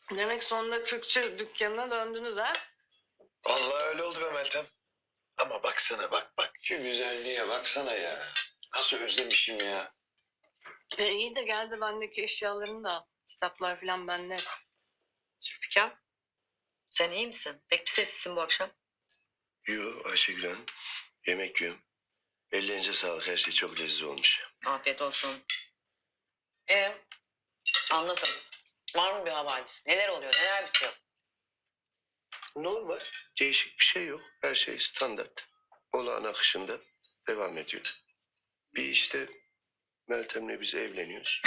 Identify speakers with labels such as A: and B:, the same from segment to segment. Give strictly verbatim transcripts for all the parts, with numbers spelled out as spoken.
A: Demek sonunda Kürkçü dükkanına döndünüz ha?
B: Vallahi öyle oldu be Meltem. Ama baksana bak bak. Şu güzelliğe baksana ya. Nasıl özlemişim ya.
A: E, iyi de geldi bendeki eşyalarını da al. Kitaplar falan bende.
C: Zülfikar, sen iyi misin? Pek bir sessizsin bu akşam.
B: Yo Ayşegül Hanım. Yemek yiyorum. Ellerinize sağlık. Her şey çok lezzetli olmuş.
C: Afiyet olsun. E, anlatın. Var mı bir havadis? Neler oluyor, neler bitiyor?
B: Normal. Değişik bir şey yok. Her şey standart. Olağan akışında devam ediyor. Bir işte Meltem'le biz evleniyoruz.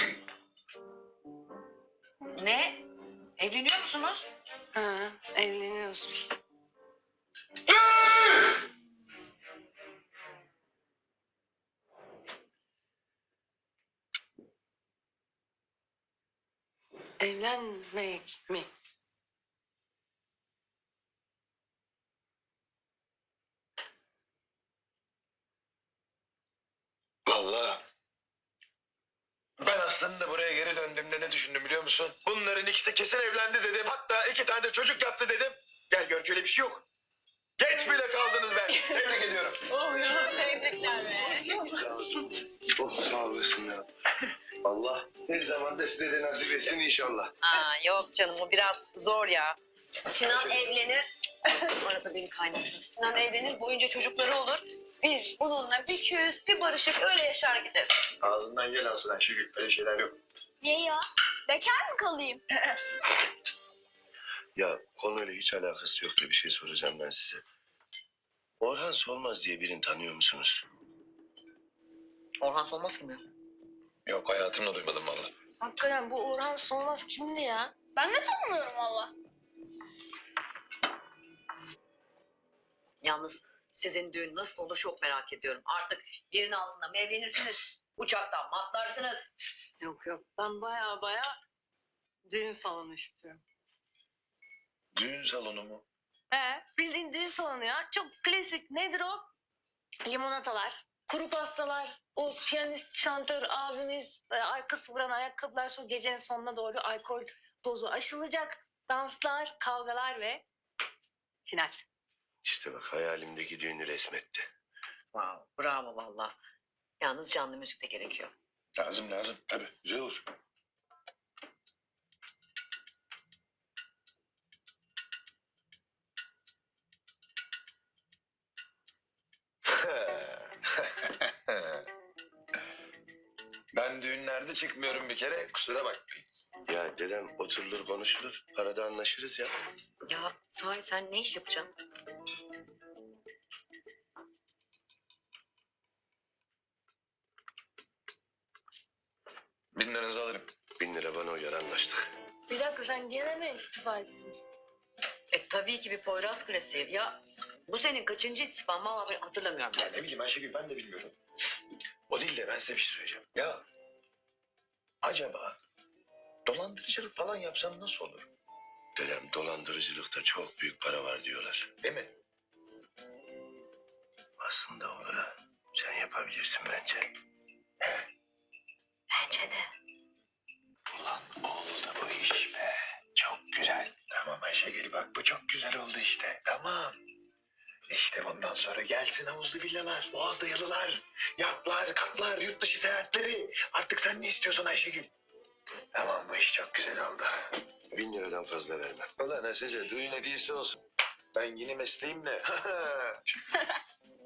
C: Ne? Evleniyor musunuz?
A: Ha, evleniyoruz. Evlenmek mi?
B: Vallahi ben aslında buraya geri döndüğümde ne düşündüm biliyor musun? Bunların ikisi kesin evlendi dedim. Hatta iki tane de çocuk yaptı dedim. Gel gör ki öyle bir şey yok. Geç bile kaldınız be. Tebrik ediyorum.
A: Oh ya, tebrikler be.
B: Oh sağ olasın ya. Allah ne zaman da size de nasip etsin inşallah.
C: Aa, yok canım, o biraz zor ya. Sinan
B: Şey-
C: evlenir. Arada beni kaynattı. Sinan evlenir, boyunca çocukları olur. Biz bununla bir küs, bir barışıp öyle yaşar gideriz.
B: Ağzından gel alsın Ayşegül. Öyle şeyler yok.
D: Niye ya? Bekar mı kalayım?
B: Ya konuyla hiç alakası yok da bir şey soracağım ben size. Orhan Solmaz diye birini tanıyor musunuz?
C: Orhan Solmaz kim ya?
B: Yok hayatımda duymadım vallahi.
A: Hakikaten bu Orhan Solmaz kimdi ya?
D: Ben de tanımıyorum valla.
C: Yalnız sizin düğün nasıl olur çok merak ediyorum. Artık yerin altında mı evlenirsiniz? Uçaktan mı atlarsınız?
A: Yok yok, ben baya baya düğün salonu istiyorum.
B: Düğün salonu mu?
A: He, bildiğin düğün salonu ya. Çok klasik. Nedir o? Limonatalar, kuru pastalar, o piyanist, şantör abimiz, e, arkası vuran ayakkabılar, sonra gecenin sonuna doğru alkol dozu aşılacak. Danslar, kavgalar ve final.
B: İşte bak hayalimdeki düğünü resmetti.
C: Wow, bravo valla. Yalnız canlı müzik de gerekiyor.
B: Lazım lazım tabii güzel olsun. Ben düğünlerde çıkmıyorum bir kere kusura bakmayın. Ya dedem oturulur konuşulur arada anlaşırız ya.
C: Ya sahi sen ne iş yapacaksın?
B: Bin liranızı alırım. Bin lira bana uyar anlaştık.
A: Bir dakika, sen gene mi istifa ettin?
C: E tabii ki bir Poyraz klasiği. Ya bu senin kaçıncı istifan? Valla ben hatırlamıyorum.
B: Ya ne bileyim Ayşegül ben de bilmiyorum. O değil de ben size bir şey söyleyeceğim. Ya acaba dolandırıcılık falan yapsam nasıl olur? Dedem dolandırıcılıkta çok büyük para var diyorlar. Değil mi? Aslında olur ha. Sen yapabilirsin bence.
C: Bence de.
B: Ulan oldu bu iş be. Çok güzel. Tamam Ayşegül bak bu çok güzel oldu işte. Tamam. İşte bundan sonra gelsin havuzlu villalar, boğazda yalılar, yatlar, katlar, yurt dışı seyahatleri. Artık sen ne istiyorsun Ayşegül? Tamam bu iş çok güzel oldu. Bin liradan fazla vermem. Ulan Hatice düğün hediyesi olsun. Ben yeni mesleğimle.